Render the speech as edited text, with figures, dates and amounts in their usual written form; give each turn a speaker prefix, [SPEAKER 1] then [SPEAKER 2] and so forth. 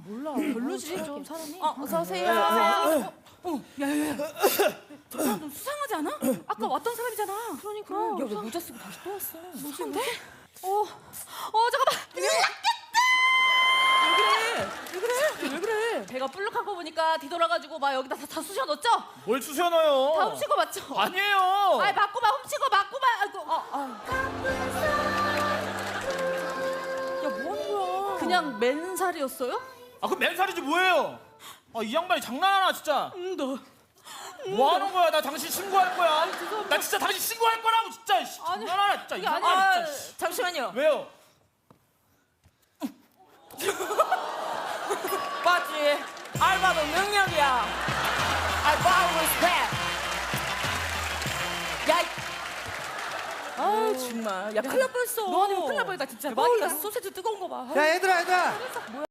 [SPEAKER 1] 몰라. 별로지 좀 사람이.
[SPEAKER 2] 어서 오세요.
[SPEAKER 1] 야야야. 저 사람 좀 수상하지 않아? 아까 왔던 사람이잖아. 그러니까.
[SPEAKER 2] 야왜 모자 쓰고 다시 또 왔어?
[SPEAKER 1] 무슨데? 잠깐만. 왜 그래?
[SPEAKER 2] 배가 불룩한 거 보니까 뒤돌아가지고 막 여기다 다 쑤셔 넣었죠?
[SPEAKER 3] 뭘 쑤셔넣어요?
[SPEAKER 2] 다 훔친 거 맞죠?
[SPEAKER 3] 아니에요.
[SPEAKER 2] 아이 맞고 막 훔친 거 맞고 막 아이고
[SPEAKER 1] 야, 뭐 하는 거야?
[SPEAKER 2] 그냥 맨살이었어요?
[SPEAKER 3] 아 그럼 맨살이지 뭐예요? 아 이 양반이 장난하나 진짜.
[SPEAKER 1] 너.
[SPEAKER 3] 뭐 하는 거야? 나 당신 신고할 거야. 나 진짜 당신 신고할 거라고 진짜. 씨,
[SPEAKER 2] 아니,
[SPEAKER 3] 장난하나 진짜. 이
[SPEAKER 2] 그게
[SPEAKER 3] 양반
[SPEAKER 2] 아니라
[SPEAKER 3] 진짜. 씨.
[SPEAKER 2] 잠시만요.
[SPEAKER 3] 왜요?
[SPEAKER 2] 맞지? 알바도 능력이야. 알바 리스펙. 야, 아 정말. 야 큰일 날 뻔했어.
[SPEAKER 1] 너 아니면 큰일 날 뻔했다 진짜.
[SPEAKER 2] 대박이다.
[SPEAKER 1] 소세지 뜨거운 거 봐.
[SPEAKER 4] 야 얘들아